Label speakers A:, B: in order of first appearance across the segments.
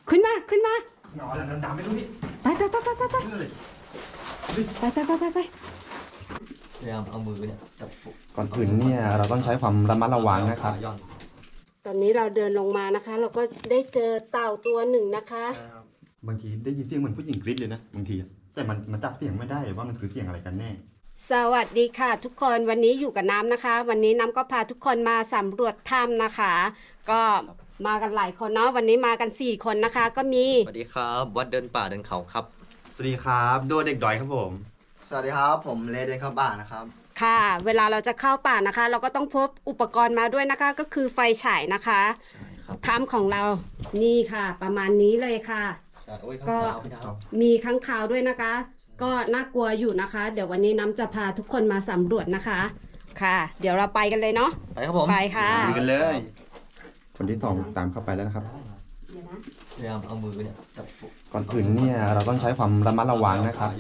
A: ขึ้นมาขึ้นมา
B: หนอนแล้วดำไม่รู้พี่
A: ไปไปไปไปไปไปไปไป
C: พยายามเอามือเนี่ยจับ
B: ก่อนอื่นเนี่ยเราต้องใช้ความระมัดระวังนะครับ
A: ตอนนี้เราเดินลงมานะคะ เราก็ได้เจอเต่าตัวหนึ่งนะคะ
B: บางทีได้ยินเสียงเหมือนผู้หญิงกรี๊ดเลยนะบางทีแต่มันจับเสียงไม่ได้ว่ามันคือเสียงอะไรกันแน่
A: สวัสดีค่ะทุกคนวันนี้อยู่กับน้ำนะคะวันนี้น้ำก็พาทุกคนมาสำรวจถ้ำนะคะก็มากันหลายคนเนาะวันนี้มากัน4คนนะคะก็มี
C: สวัสดีครับวัดเดินป่าเดินเขาครับ
B: สวัสดีครับโดเด็กดอยครับผม
D: สวัสดีครับผมเลเดินเข้าป่านะครับ
A: ค่ะเวลาเราจะเข้าป่านะคะ เราก็ต้องพกอุปกรณ์มาด้วยนะคะก็คือไฟฉายนะคะ
C: ใช่ครับ
A: ถ้ำของเรานี่ค่ะประมาณนี้เลยค่ะก็มีค้างคาวด้วยนะคะก็น่ากลัวอยู่นะคะเดี๋ยววันนี้น้ำจะพาทุกคนมาสำรวจนะคะค่ะเดี๋ยวเราไปกันเลยเนาะ
C: ไปครับผม
A: ไปค่ะ
B: ไปกันเลยคนที่2ตามเข้าไปแล้วนะครับ
C: พยายามเอามือเนี่ยจับ
B: ก่อนอื่นเนี่ยเราต้องใช้ความระมัดระวังนะครับ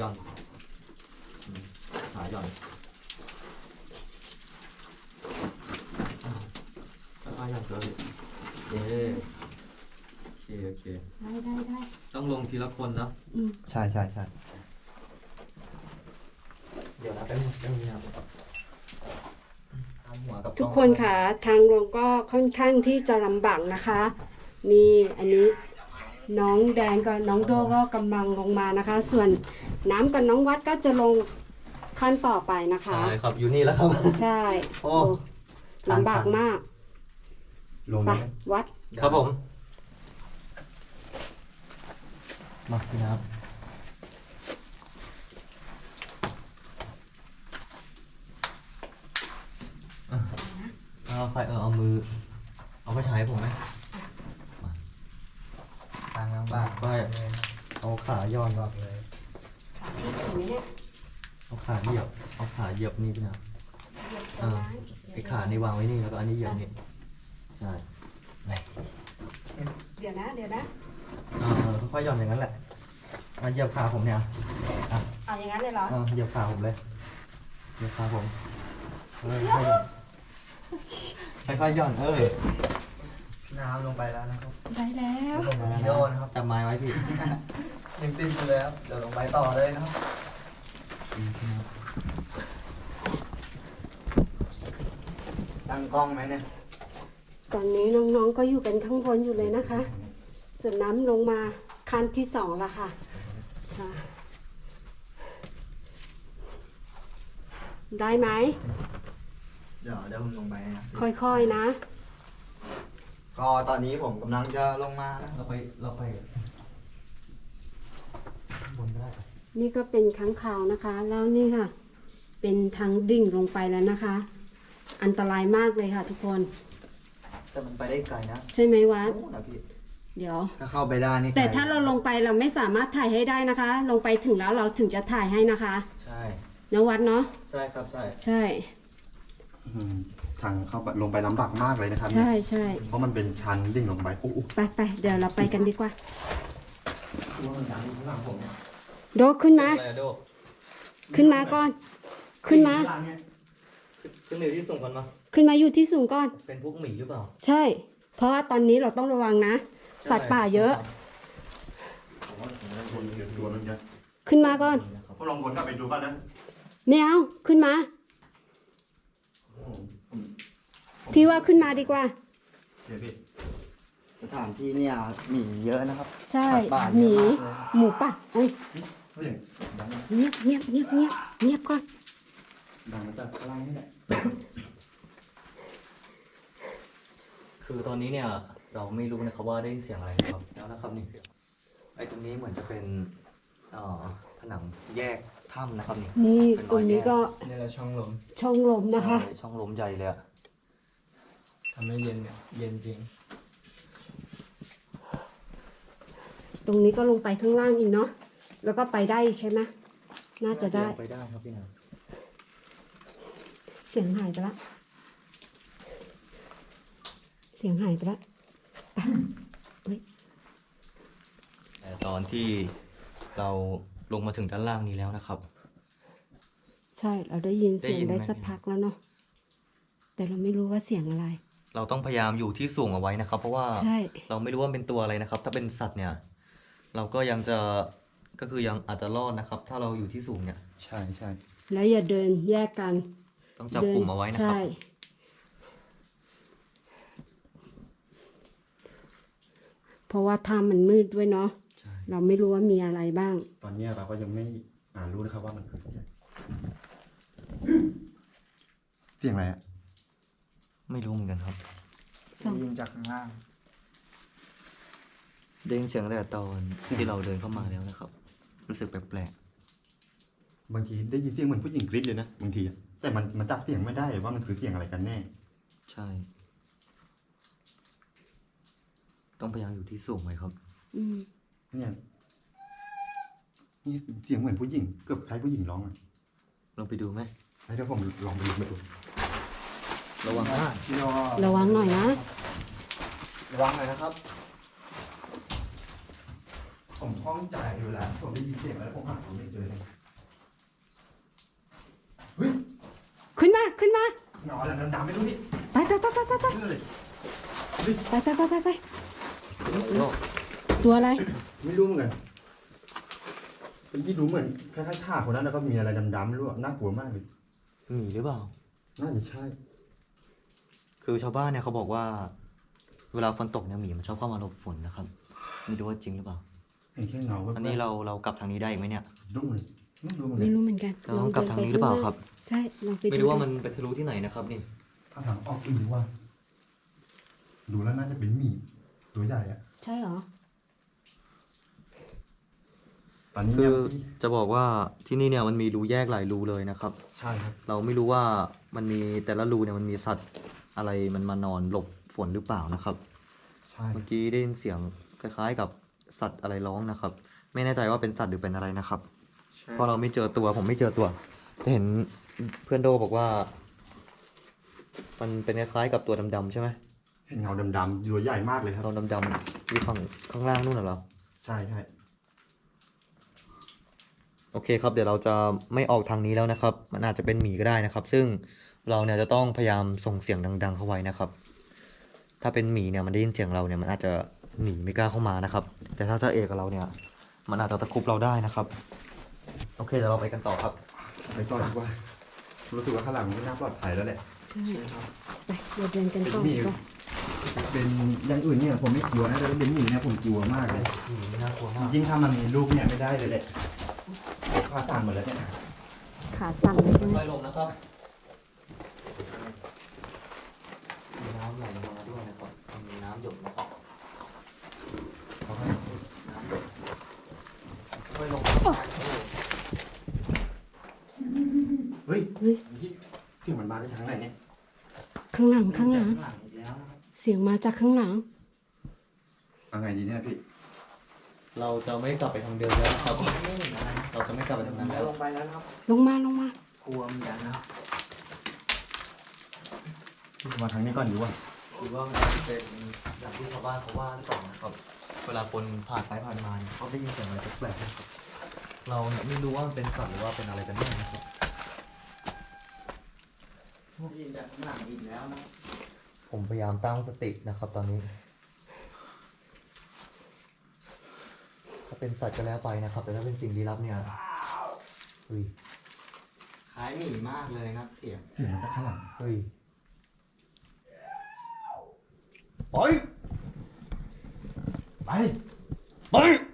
C: ขาย่อนขาย่อนเกินโอเค
A: ได้
C: ต้องลงทีละคนเนาะ
B: ใช่
C: เดี๋ยวนะเป็น
A: ทุกคนค่ะทางลงก็ค่อนข้างที่จะลำบากนะคะนี่อันนี้น้องแดงกับน้องโดก็กำลังลงมานะคะส่วนน้ำกับน้องวัดก็จะลงขั้นต่อไปนะคะ
C: ใช่ครับอยู่นี่แล้วครับ
A: ใช่โอ้ลำบากมาก
B: ลง
A: ไปวัด
C: ครับผมมาพี่น้ำเอาไฟเอามือเอาไปใช้ผมไหม
D: ทางบ้าน
C: ไปเอาขาย้อนก่อนเลยเอาขาเหยียบนี่พี่น้ำไอ้ขานี่วางไว้นี่แล้วก็อันนี้เหยียบนี่ใช่
A: เดี๋ยวนะ
D: ค่อยๆหย่อนอย่างนั้นแหละเหยียบขาผมเนี่ย
A: เอาอย่างนั้นเลยเหรอ
D: เหยียบขาผมเลยเหยียบขาผมค่อยๆหย่อนน้ำลงไปแล้วนะครับ
A: ได้แล้ว
D: โดนครับจับไม้ไว้พี่ยังติดอยู่เลยครับเดี๋ยวลงไปต่อเลยนะครับตั้งกล้องไหมเนี่ย
A: ตอนนี้น้องๆก็อยู่กันข้างบนอยู่เลยนะคะส่วนน้ำลงมาขั้นที่2แล้วค่ะได้ไหม
D: เดี๋ยวผมลงไปนะ
A: ค่อยๆนะ
D: ก็ตอนนี้ผมกำลังจะลงมานะ
C: เราไปบนก็ได้
A: นี่ก็เป็นค้างคาวนะคะแล้วนี่ค่ะเป็นทางดิ่งลงไปแล้วนะคะอันตรายมากเลยค่ะทุกคน
D: แต่มันไปได้ไกลนะ
A: ใช่ไหมวัดเดี๋ยว
D: ถ้าเข้าไปได้นี่
A: แต่ถ้าเราลงไปเราไม่สามารถถ่ายให้ได้นะคะ ลงไปถึงแล้วเราถึงจะถ่ายให้นะคะ
C: ใช่
A: นวัดเนาะ
C: ใช่ครับ
A: ใช่
B: ทางเข้าลงไปลำบากมากเลยนะครับ
A: ใช่
B: เพราะมันเป็นชันดิ่งลงไป
A: ไปเดี๋ยวเราไปกันดีกว่าโดขึ้นมาก่อนขึ้นมา
C: อยู่ที่สูงก่อนมา
A: ขึ้นมาอยู่ที่สูงก่อน
C: เป็นพวกหมีหรือเปล่า
A: ใช่เพราะว่าตอนนี้เราต้องระวังนะสัตว์ป่าเยอะขึ้นมาก่อน
B: พวกลองวนกลับไปดูก่อนนะ
A: ไม่เอาขึ้นมาพี่ว่าขึ้นมาดีกว่า
D: สถานที่เนี่ยหมีเยอะนะครับ
A: ใช่หมีหมูป่ะเงียบก่อน
B: ดังมาจากอะไรนี่แหละ
C: คือตอนนี้เนี่ยเราไม่รู้นะครับว่าได้เสียงอะไรครับแล้วนะครับนี่ไอ้ตรงนี้เหมือนจะเป็นผนังแยกถ้ำนะครับ
A: นี่ตรงนี้ก็
D: นี่แหละช่องล
A: มนะคะ
C: ช่องลมใหญ่เลยอะ
D: ทำให้เย็นเนี่ยเย็นจริง
A: ตรงนี้ก็ลงไปข้างล่างอีกเนาะแล้วก็ไปได้ใช่ไหมน่าจะได้
C: ไปได้ครับพี่นา
A: เสียงหายไปละ
C: แต่ตอนที่เราลงมาถึงด้านล่างนี้แล้วนะครับ
A: ใช่เราได้ยินเสียงได้สักพักแล้วเนาะแต่เราไม่รู้ว่าเสียงอะไร
C: เราต้องพยายามอยู่ที่สูงเอาไว้นะครับ เพราะว่า
A: ใช่
C: เราไม่รู้ว่ามันเป็นตัวอะไรนะครับ ถ้าเป็นสัตว์เนี่ย เราก็ยังจะก็คือยังอาจจะรอดนะครับ ถ้าเราอยู่ที่สูงเนี่ย
B: ใช่ใช่
A: แล้วอย่าเดินแยกกัน
C: ต้องจับกลุ่มเอาไว้นะครับ
A: ใช่เพราะว่าถ้ำมันมืดด้วยเนาะ
B: ใช่
A: เราไม่รู้ว่ามีอะไรบ้าง
B: ตอนนี้เราก็ยังไม่รู้นะครับว่ามันคือเสียงอะไรอะ
C: ไม่รู้เหมือนกันครับ
A: สอง
D: ยิงจากข้างล่าง
C: ได้ยินเสียงตั้งแต่ตอนที่เราเดินเข้ามาแล้วนะครับ รู้สึกแปลก
B: บางทีได้ยินเสียงเหมือนผู้หญิงกรี๊ดเลยนะบางทีอะแต่มันจับเสียงไม่ได้ว่ามันคือเสียงอะไรกันแน่
C: ๆใช่ ต้องพยายามอยู่ที่สูงไว้ครับ
A: อืม
B: เนี่ยนี่เสียงเหมือนผู้หญิงเกือบคล้ายผู้หญิงร้องอะ
C: ลองไปดูไหม
B: ให้เดี๋ยวผมลองไปดู
C: ระวังมาก
D: พี่โด
A: ระวังหน่อยนะ
D: ระวังหน่อยนะครับ
B: ผมคล่องใจอยู่แล้วผมได้ยินเสียงแล้วผมหาผมไม่เจอเลยเฮ้ย
A: ขึ้นมา ขึ้นมา
B: หนอนอะไรดำๆไม่รู้นี่
A: ไปไปไปไปไปไป
B: เชื่อเลย
A: ไปไปไปไปไปตัวอะไร
B: ไม่รู้เหมือนกันเป็นที่รู้เหมือนคล้ายๆท่าคนนั้นแล้วก็มีอะไรดำๆไม่รู้อะน่ากลัวมากเลย
C: หมีหรือเปล่า
B: น่าจะใช่
C: คือชาวบ้านเนี่ยเขาบอกว่า เวลาฝนตกเนี่ยหมีมันชอบเข้ามาหลบฝนนะครับ ไม่รู้ว่าจริงหรือเปล่า
B: เห็นแค่เงาแว๊บๆ
C: อันนี้เรากลับทางนี้ได้อีกไหมเนี่ย
B: ดุ้งเลยไม่รู้เหมือนกั
A: ไม่
B: น
A: รู้เหมือนกัน
C: เราต้องกลับทางนี้หรือเปล่าครับ
A: ใช่ ลองไป
C: ไม่รู้ว่ามันไปทะลุที่ไหนนะครับนี่
B: ถ้าทางออกอื่นว่า ดูแล้วน่าจะเป็นหมีตัวใหญ่อะ
A: ใช่เหรอ
B: ตอนนี้
C: คื
B: เนี่ย
C: อจะบอกว่าที่นี่เนี่ยมันมีรูแยกหลายรูเลยนะครับ
B: ใช่ครับ
C: เราไม่รู้ว่ามันมีแต่ละรูเนี่ยมันมีสัตว์อะไรมันมานอนหลบฝนหรือเปล่านะครับ
B: ใช่
C: เมื่อกี้ได้ยินเสียงคล้ายๆกับสัตว์อะไรร้องนะครับ ไม่แน่ใจว่าเป็นสัตว์หรือเป็นอะไรนะครับ เพราะเราไม่เจอตัวผมไม่เจอตัวจะเห็นเพื่อนโดบอกว่า มันเป็นคล้ายๆกับตัวดำๆใช่ไหม
B: เห็นเงาดำๆตัวใหญ่มากเลยครับ
C: เราดำๆที่ข้างล่างนู่นน่ะเหรอ
B: ใช่ใช่
C: โอเคครับเดี๋ยวเราจะไม่ออกทางนี้แล้วนะครับ มันอาจจะเป็นหมีก็ได้นะครับ ซึ่งเราเนี่ยจะต้องพยายามส่งเสียงดัง ๆ เข้าไว้นะครับ ถ้าเป็นหมีเนี่ยมันได้ยินเสียงเราเนี่ยมันอาจจะหนีไม่กล้าเข้ามานะครับ แต่ถ้าเจ้าเอกกับเราเนี่ย มันอาจจะตะครุบเราได้นะครับ โอเคเดี๋ยวเราไปกันต่อครับ
B: ไปต่อดีกว่ารู้สึกว่าข้างหลังมันไม่น่าปลอดภัยแล้วแหละ
A: ใช่ ไปเราเดินกันต่อ
B: เป็นหมี
A: ดีกว่า
B: เป็นอย่างอื่นเนี่ยผมไม่กลัวนะแต่ว่าเป็นหมีเนี่ยผมกลัวมากเลย
C: หมีน่ากลัวมาก
B: ยิ่งถ้ามันมีลูกเนี่ยไม่ได้เลยแหละข้าสั่นหมดแล้วเนี่ย
A: ขาสั่นเลยใช่ไหม
C: ค่อยๆลงนะครับมีน้ำไหลลงมาด้วยนะครับมีน้ำหยดนะครับน้ำหยดค่อยๆลงนะครับ
B: เฮ้ย
A: เฮ้ย
B: ที่เสียงมันมาได้ทางไหนเนี่ย
A: ข้างหลัง ข้างหลัง
B: หลังอีกแล้วนะครับ
A: เสียงมาจากข้างหลัง
B: เอาไงดีเนี่ยพี่
C: เราจะไม่กลับไปทางเดิมแล้วนะครับ เราจะไม่กลับไปทางนั้น
D: แล้
C: แล้ว ว
D: ลงไปแล้วนะครับ
A: ลงมา ลงมา
D: กลัวเหมือนกันนะครับ
B: มาทางนี้ก่อนดีกว่า
C: หรือว่ามันจะเป็นอย่างที่ชาวบ้านเขาว่าหรือเปล่านะครับ เวลาคนผ่านไปผ่านมาเนี่ยเขาได้ยินเสียงอะไรแปลกๆนะครับ เราเนี่ยไม่รู้ว่ามันเป็นสัตว์หรือว่าเป็นอะไรกันแน่นะครับ
D: ยิงจากข้างหลังอีกแล้วนะ
C: ผมพยายามตั้งสตินะครับ ตอนนี้ ถ้าเป็นสัตว์ก็แล้วไปนะครับ แต่ถ้าเป็นสิ่งลี้ลับเนี่ยเฮ้ย
D: คล้ายหมีมากเลยนะเสียง
B: เสียงมาจากข้างหลัง
C: เฮ้ย
B: ไปไปไป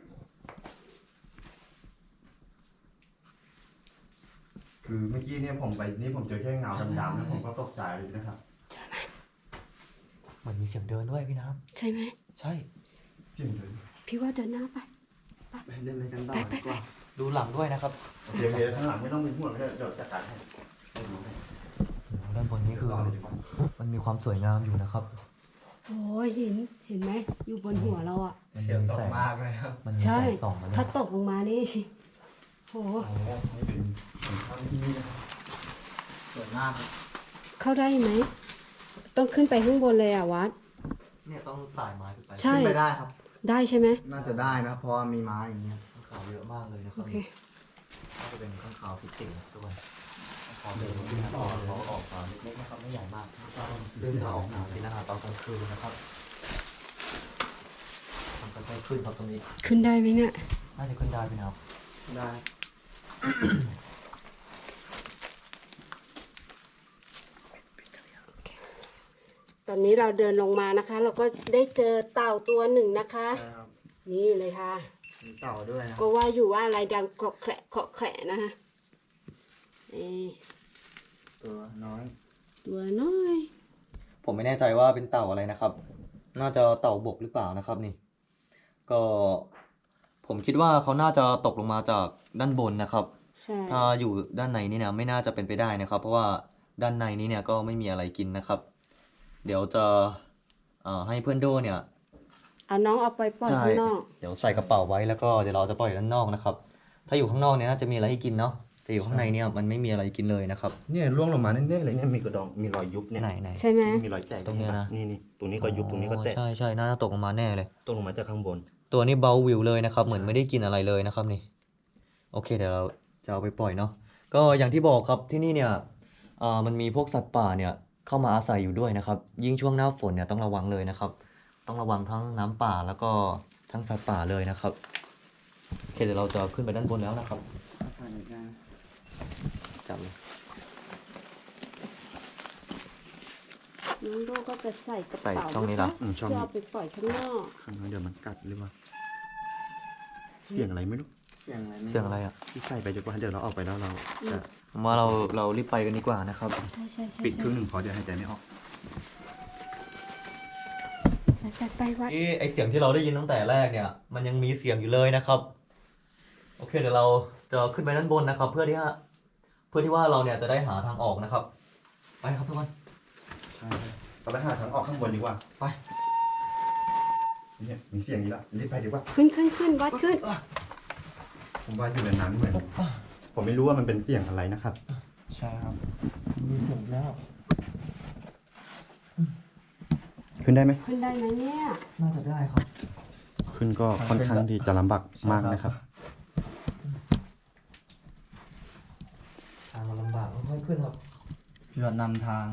B: คือเมื่อกี้เนี่ยผมไปนี่ผมเจอแค่เงาดำๆแล้วผมก็ตกใจเลยนะครับ
C: มันมีเสียงเดินด้วยพี่น้
A: ใช่ไหม
C: ำใช่
B: เสียงเลย
A: พี่ว่าเดินหน้าไป
D: ไปเดินไปกันต่อ
A: ไป
D: ดีกว่า
C: ดูหลังด้วยนะครับ
B: เดี๋ยวข้างหลังไม่ต้องเป็นห่วงเดี๋ยวจัดการให้ไม่รู้ให้
C: ด้านบนนี้คือ
B: ต่อเลยดีกว่า
C: มันมีความสวยงามอยู่นะครับ
A: โอ้ยเห็นไหม อยู่บนหัวเราอ่ะ
C: มัน
D: เสียง
C: มี
D: ต
C: แส
D: ก
C: ง
D: มากเลยครับ
C: มันมี
A: ใช่
C: แสงส่องมาด้วย
A: ถ้าตกลงมานี่โห
B: โอ้โหนี่เป็นของข้าวที่นี่นะครับ
D: สวยมากครับ
A: เข้าได้ไหม ต้องขึ้นไปข้างบนเลยอ่ะวัด
C: เนี่ยต้องต่ายไม้ขึ้นไป
A: ใช่
D: ขึ้นไปได้ครับ
A: ได้ใช่ไหม
D: น่าจะได้นะ เพราะว่ามีไม้อย่างเงี้ย
C: ข้างขาวเยอะมากเลยนะค
A: โอ
C: รับ
A: เค
C: น่าจะเป็นข้างขาวพิจิตรด้วย
D: ข
C: เดินขึ้นเขาออกมาเล็กๆนะครับไม่ใหญ่มากเดินจะออกมากินอาหารตอนกลางคืนนะครับมันก็ได้ขึ้นครับตรงนี้
A: ขึ้นได้ไหมเนี่ย
C: น่าจะขึ้นได้ไหมครับ
D: ได้
A: ตอนนี้เราเดินลงมานะคะ เราก็ได้เจอเต่าตัวหนึ่งนะคะ
D: ใช่ครับ
A: นี่เลยค่ะ
D: มีเต่าด้วยนะ
A: ก็ว่าอยู่ว่าอะไรดังเกาะแขะเกาะแขะนะคะนี่
D: ตัวน้อย
A: ตัวน้อย
C: ผมไม่แน่ใจว่าเป็นเต่าอะไรนะครับ น่าจะเต่าบกหรือเปล่านะครับนี่ ก็ผมคิดว่าเขาน่าจะตกลงมาจากด้านบนนะครับ
A: ใช่
C: ถ้าอยู่ด้านในนี่เนี่ยไม่น่าจะเป็นไปได้นะครับ เพราะว่าด้านในนี้เนี่ยก็ไม่มีอะไรกินนะครับ เดี๋ยวจะให้เพื่อนโดเนี่ย
A: เอาน้องเอาไปปล่อยข้างนอก
C: เดี๋ยวใส่กระเป๋าไว้แล้วก็เดี๋ยวเราจะปล่อยด้านนอกนะครับ ถ้าอยู่ข้างนอกเนี่ยน่าจะมีอะไรให้กินเนาะแต่อยู่ข้างในเนี่ยมันไม่มีอะไรกินเลยนะครับ
B: เนี่ยร่วงลงมาแน่ๆเลยเนี่ยมีกระดองมีรอยยุบเนี่ย
C: ไหน
A: ใช่ไหม
B: มีรอยแตก
C: ตรงเนี้ยนะ
B: นี่ตรงนี้ก็ยุบตรงนี้ก็แตก
C: ใช่ใช่น่าจะตกลงมาแน่เลย
B: ตกลงมาจากข้างบน
C: ตัวนี้เบาวิวเลยนะครับ เหมือนไม่ได้กินอะไรเลยนะครับนี่โอเคเดี๋ยวเราจะเอาไปปล่อยเนาะก็อย่างที่บอกครับที่นี่เนี่ยมันมีพวกสัตว์ป่าเนี่ยเข้ามาอาศัยอยู่ด้วยนะครับ ยิ่งช่วงหน้าฝนเนี่ยต้องระวังเลยนะครับ ต้องระวังทั้งน้ำป่าแล้วก็ทั้งสัตว์ป่าเลยนะครับโอเคเดี๋ยวเราจะขึ้นไปด้านบนแล้วนะครับจับเลย
A: น้องโดก็จะใส่กระ
C: ใส่
A: เป๋า
C: ช่องนี้เหรอ
A: เพื่อเอาไปปล่อยข้างนอก
B: ข้างในเดี๋ยวมันกัดหรือว่าเสียงอะไรไม่รู้
D: เสียงอะไร
C: เสียงอะไรอ่ะ
B: ที่ใส่ไปดีกว่าเดี๋ยวเราออกไปแล้วเราจะ
C: ผมว่าเรารีบไปกันดีกว่านะครับ
A: ใช่ใช่ใช่
B: ปิดครึ่งหนึ่งพอเดี๋ยวหายใจไม่ออก
A: ไปวัด
C: ไอเสียงที่เราได้ยินตั้งแต่แรกเนี่ยมันยังมีเสียงอยู่เลยนะครับโอเคเดี๋ยวเราจะขึ้นไปด้านบนนะครับ เพื่อที่ว่าเราเนี่ยจะได้หาทางออกนะครับไปครับทุกคน
B: ใช่เราไปหาทางออกข้างบนดีกว่า
C: ไป
B: เนี่ยมีเสียงนี้ละรีบไปดีกว่า
A: ขึ้นวัดขึ้น
B: ผมว่าอยู่ในนั้นเหมือนผมไม่รู้ว่ามันเป็นเสียงอะไรนะครับ
D: ใช่ครับ
C: มีเสียงแล้ว
B: ขึ้นได้ไหม
A: ขึ้นได้ไหมเนี่ย
C: น่าจะได้ครับ
B: ขึ้นก็ค่อนข้างที่จะลำบากมากนะครับ
C: ทางมันลำบากค่อยๆขึ้นครับ
D: พี่รถนำทาง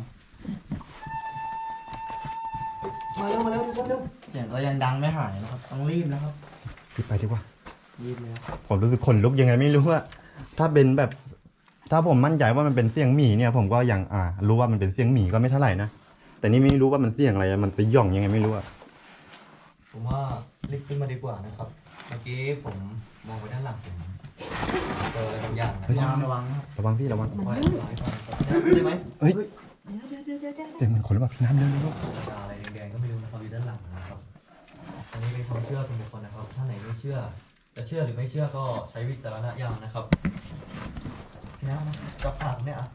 C: มาเร็วทุกคนเร็ว
D: เสียงก็ยังดังไม่หายนะครับ ต้องรีบนะครับ
B: รีบไปดีกว่า
C: รีบเลยครับ
B: ผมรู้สึกขนลุกยังไงไม่รู้ว่าถ้าเป็นแบบ ถ้าผมมั่นใจว่ามันเป็นเสียงหมีเนี่ย ผมก็ยังรู้ว่ามันเป็นเสียงหมีก็ไม่เท่าไหร่นะแต่นี่ไม่รู้ว่ามันเสียงอะไรมันไปย่องยังไงไม่รู้อะ
C: ผมว่ารีบขึ้นมาดีกว่านะครับเมื่อกี้ผมมองไปด้านหลังผมเจออะไรบางอย่างนะ
B: เฮ้ย
D: ระวังนะครับ
B: ระวังพี่ระวัง
C: ค่อยๆไหลไปได้ไหม
B: เฮ้ย
A: เดี๋ยว
B: เสียงเหมือนคนหรือเปล่าพี่น้ำเดินลูก
C: อะไรแดงๆก็ไม่รู้นะครับอยู่ด้านหลังนะครับอันนี้เป็นความเชื่อส่วนบุคคลนะครับถ้าไหนไม่เชื่อจะเชื่อหรือไม่เชื่อก็ใช้วิจารณญาณนะครับพี่น้ำจับปากเนี่ยอ่ะ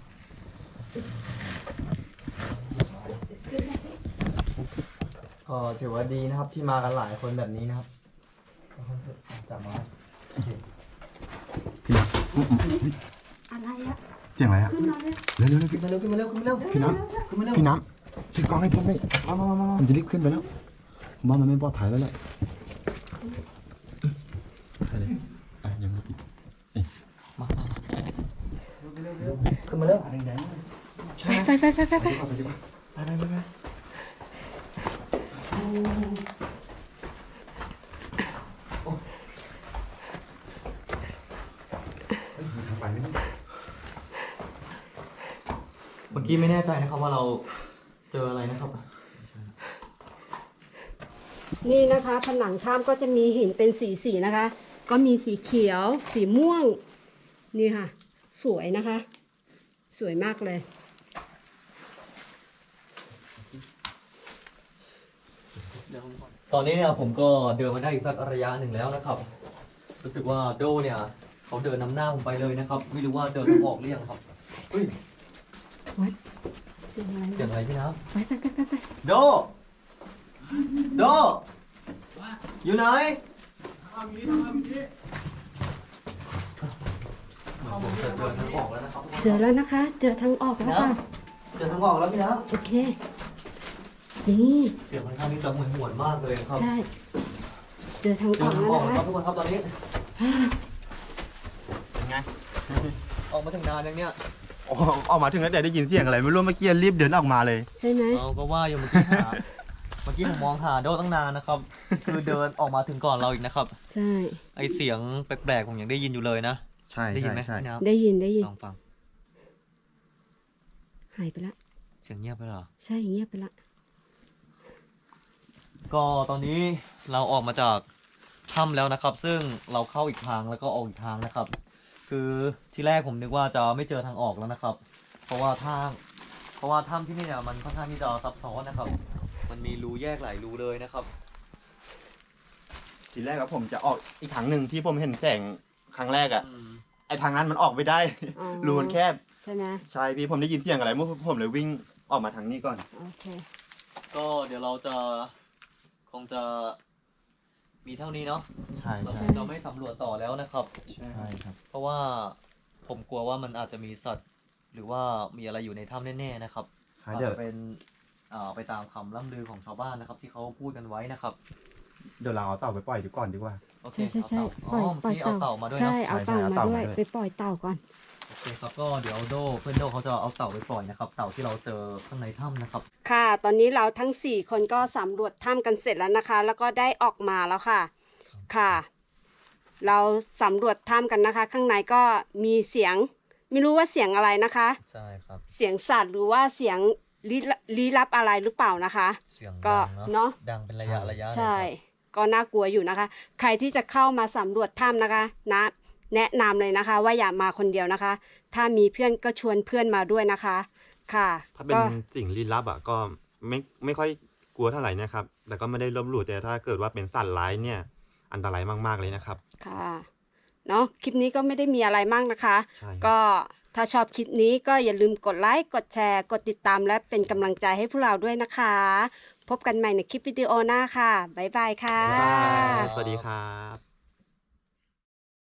D: ก็ถือว่าดีนะครับที่มากันหลายคนแบบนี้นะครับ
C: จับมา
B: พี่น้
A: อะไรอะ
B: ำเสียงอะไรอะ
A: ขึ้นมาเลย
B: เร็วๆพี่
D: ขึ้นมาเร็วขึ้นมาเร็วขึ้นมาเร็ว
B: พี่น้ำพี่น้ำถือกล้องให้ผมเลยผมจะรีบขึ้นไปแล้วผมว่ามันไม่ปลอดภัยแล้วแหละไปเลยยังไม่ปิด
C: ขึ้นมาเร็ว
D: แดง
A: ไป
B: ไปดีกว่า
D: ไป
B: มีทางไปไหมเนี่ย
C: เมื่อกี้ไม่แน่ใจนะครับว่าเราเจออะไรนะครับ
A: นี่นะคะผนังถ้ำก็จะมีหินเป็นสีนะคะ ก็มีสีเขียว สีม่วง นี่ค่ะ สวยนะคะ สวยมากเลย
C: ตอนนี้เนี่ยผมก็เดินมาได้อีกสักระยะหนึ่งแล้วนะครับ รู้สึกว่าโดเนี่ยเขาเดินนำหน้าผมไปเลยนะครับ ไม่รู้ว่าเจอทางออกหรือยังครับเฮ้ย
A: เสียงอะไร
C: เสียงอะไรพี่น้
A: ไป
C: ำโดโดอยู่ไหนผมจะเจอทางออกแล้วนะครับ
A: เจอแล้วนะคะ เจอทางออกแล้วค่ะ
C: เจอทางออกแล้วพี่น้
A: โอเค นี่
C: ำเสียงค่อนข้างที่จะหวนมากเลยครับ
A: ใช่ เจอทาง
C: เจ
A: อ
C: อ
A: อก
C: ทาง
A: แล้ว
C: ออก
A: นะ
C: แล้วค
A: คะ
C: รับทุกคนครับตอนนี้
B: เป็นไง
C: ออกมาถึงนานยังเนี่ย
B: ออกมาถึงแล้วแต่ได้ยินเสียงอะไรไม่รู้เมื่อกี้รีบเดินออกมาเลย
A: ใช่ไหม
C: เราก็ว่าอยู่เมื่อกี้เมื่อกี้ผมมองหาโดตั้งนานนะครับ คือเดินออกมาถึงก่อนเราอีกนะครับ
A: ใช่
C: ไอเสียงแปลกๆผมยังได้ยินอยู่เลยนะ
B: ใช่
C: ได้ยินไหม
B: ใช่
C: พี่น้
A: ได้ยินได้ยิน
C: ำลองฟัง
A: หายไปละ
C: เสียงเงียบไปเหรอ
A: ใช่เงียบไปละ
C: ก็ตอนนี้เราออกมาจากถ้ำแล้วนะครับ ซึ่งเราเข้าอีกทางแล้วก็ออกอีกทางนะครับ คือที่แรกผมนึกว่าจะไม่เจอทางออกแล้วนะครับ เพราะว่าถ้ำที่นี่เนี่ยมันค่อนข้างที่จะซับซ้อนนะครับ มันมีรูแยกหลายรูเลยนะครับ
B: ทีแรกอะผมจะออกอีกทางหนึ่งที่ผมเห็นแสงครั้งแรกอะไอทางนั้นมันออกไม่ได้
A: อ๋อ
B: รูมันแคบ
A: ใช่ไหม
B: ใช่พี่ผมได้ยินเสียงอะไรเมื่อผมเลยวิ่งออกมาทางนี้ก่อน
A: โอเค
C: ก็เดี๋ยวเราจะคงจะมีเท่านี้เนาะ
B: ใช่
C: เรา
A: ใช่
C: จะไม่สำรวจต่อแล้วนะครับ
B: ใช่ครับ
C: เพราะว่าผมกลัวว่ามันอาจจะมีสัตว์ หรือว่ามีอะไรอยู่ในถ้ำแน่ๆนะครับอาจ
B: เดี๋ยว
C: จะเป็นไปตามคำล่ำลือของชาวบ้านนะครับ ที่เขาพูดกันไว้นะครับ
B: เดี๋ยวเราเอาเต่าไปปล่อยดีก่อนดีกว่า
C: โอเค
A: ใช่ใช่
C: เอา
A: ใช่
C: เต่า
A: ปล่อย
C: เมื่อกี้เอาเต่ามาด้วย
A: ใช่
C: เนาะ
A: เอาเต่า
B: ใช่
A: มา
B: เอาเต่า
A: ด้วย
B: มาด้วย
A: ไปปล่อยเต่าก่อน
C: โอเคครับก็เดี๋ยวเพื่อนโดเขาจะเอาเต่าไปปล่อยนะครับ เต่าที่เราเจอข้างในถ้ำนะครับ
A: ค่ะ ตอนนี้เราทั้ง 4 คนก็สำรวจถ้ำกันเสร็จแล้วนะคะ แล้วก็ได้ออกมาแล้วค่ะ ค่ะ เราสำรวจถ้ำกันนะคะ ข้างในก็มีเสียง ไม่รู้ว่าเสียงอะไรนะคะ
C: ใช่ครับ
A: เสียงสัตว์หรือว่าเสียงลี้ลับอะไรหรือเปล่านะคะ
C: เสียง
A: ก็
C: ดัง
A: เนาะ
C: ดังเป็นระยะเลย
A: ใช่
C: ครับ
A: ก็น่ากลัวอยู่นะคะ ใครที่จะเข้ามาสำรวจถ้ำนะคะนะแนะนำเลยนะคะ ว่าอย่ามาคนเดียวนะคะ ถ้ามีเพื่อนก็ชวนเพื่อนมาด้วยนะคะ ค่ะ
B: ถ้าเป็น
A: ก็
B: สิ่งลี้ลับอะก็ไม่ค่อยกลัวเท่าไหร่นะครับแต่ก็ไม่ได้ลบหลู่แต่ถ้าเกิดว่าเป็นสัตว์ร้ายเนี่ยอันตรายมากๆเลยนะครับ
A: ค่ะเนาะคลิปนี้ก็ไม่ได้มีอะไรมากนะคะ
B: ใช่ครับ
A: ก็ถ้าชอบคลิปนี้ก็อย่าลืมกดไลค์กดแชร์กดติดตามและเป็นกำลังใจให้พวกเราด้วยนะคะ พบกันใหม่ในคลิปวิดีโอหน้าค่ะบ๊ายบายค่ะ
B: บ๊ายบายสวัสดีครับ